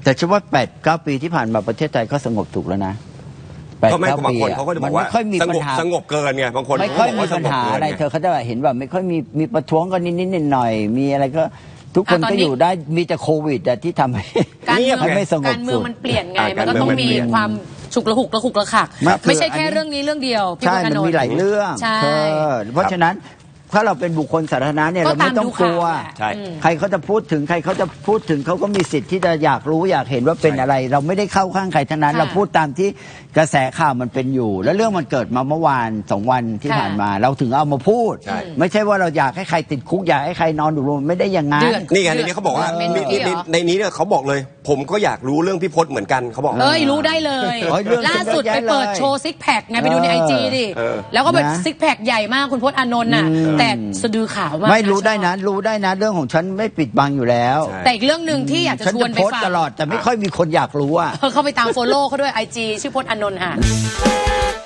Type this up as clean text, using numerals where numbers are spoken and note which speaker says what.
Speaker 1: แต่ฉันว่า8-9 ปีที่ผ่านมาประเทศไทยก็สงบสุขแล้วนะ
Speaker 2: ก็ไม่บางคนเขาก็จะบอกว่าสงบเกินไงบางคน
Speaker 1: ไม่ค่อยมีปัญหาอะไรเธอเขาจะเห็นแบบไม่ค่อยมีประท้วงกันนิดๆหน่อยๆมีอะไรก็ทุกคนก็อยู่ได้มีแต่โควิดที่ทำให้ไม่สงบสุข
Speaker 3: การเมืองมันเปลี่ยนไงมันก็ต้องมีความฉุกละหุกระขักไม่ใช่แค่เรื่องนี้เรื่องเดียวพี่พจน์อานนท์
Speaker 1: มีหลายเรื่องเพราะฉะนั้นถ้าเราเป็นบุคคลสาธารณะเนี่ยเราไม่ต้องกลัวใครเขาจะพูดถึงเขาก็มีสิทธิ์ที่จะอยากรู้อยากเห็นว่าเป็นอะไรเราไม่ได้เข้าข้างใครทั้งนั้นเราพูดตามที่กระแสข่าวมันเป็นอยู่แล้วเรื่องมันเกิดมาเมื่อวาน2 วันที่ผ่านมาเราถึงเอามาพูดไม่ใช่ว่าเราอยากให้ใครติดคุกอยากให้ใครนอนอยู่โรงไม่ได้อย่างนั้น
Speaker 2: นี่ไงในนี้เขาบอกว่าในนี้เนี่ยเขาบอกเลยผมก็อยากรู้เรื่องพี่พจน์เหมือนกันเขาบอก
Speaker 3: รู้ได้เลยล่าสุดไปเปิดโชว์ซิกแพคไงไปดูในIGดิแล้วก็แบบซิกแพคใหญ่มากคุณพจน์อานนท์น่ะแต่สะดือขาวมาก
Speaker 1: ไม่รู้ได้นะเรื่องของฉันไม่ปิดบังอยู่แล้ว
Speaker 3: แต่อีกเรื่องหนึ่งที่อยากจะชวนไปฟัง
Speaker 1: ตลอดแต่ไม่ค่อยมีคนอยากรู้
Speaker 3: เข้าไปตามโฟโล่เขาด้วย IG ชื่อพจน์อานนท์ค่ะ